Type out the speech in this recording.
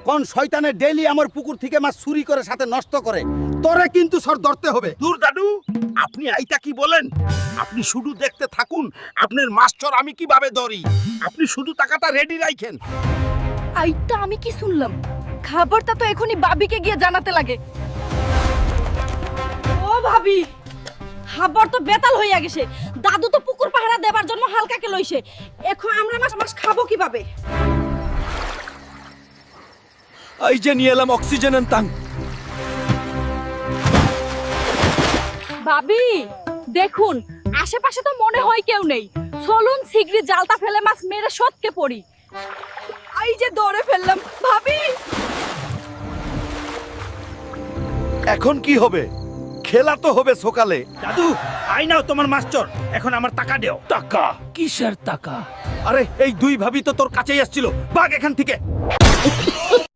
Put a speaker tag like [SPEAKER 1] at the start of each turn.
[SPEAKER 1] কোন শয়তানে ডেইলি আমার পুকুর থেকে মাছ চুরি করে সাথে নষ্ট করে, তোরে কিন্তু সর ধরতে হবে।
[SPEAKER 2] দূর দাদু, আপনি আইতা কি বলেন? আপনি শুধু দেখতে থাকুন আপনার মাস্টার আমি কিভাবে ধরি। আপনি শুধু টাকাটা রেডি রাখেন।
[SPEAKER 3] আইটা আমি কি শুনলাম? খাবারটা তো এখনই ভাবিকে গিয়ে জানাতে লাগে। ও ভাবি, খাবার তো বেতাল হইয়া গেছে। দাদু তো পুকুর পাহারা দেবার জন্য হালকাকে লইছে। এখন আমরা মাছ খাবো কিভাবে?
[SPEAKER 4] এই যে নিয়ে এলাম অক্সিজেন ট্যাঙ্ক।
[SPEAKER 3] ভাবি দেখুন, আশেপাশে তো মনে হয় কেউ নেই। চলুন শিগগিরই জালটা ফেলে মাছ মেরে সটকে পড়ি। এই যে ধরে ফেললাম ভাবি।
[SPEAKER 1] এখন কি হবে? খেলা তো হবে সকালে।
[SPEAKER 2] দাদু, আই নাও তোমার মাস্টার, এখন আমার টাকা দেও।
[SPEAKER 4] টাকা? কিসের টাকা?
[SPEAKER 1] আরে এই দুই ভাবি তো তোর কাছেই আসছিল, ভাগ এখান থেকে।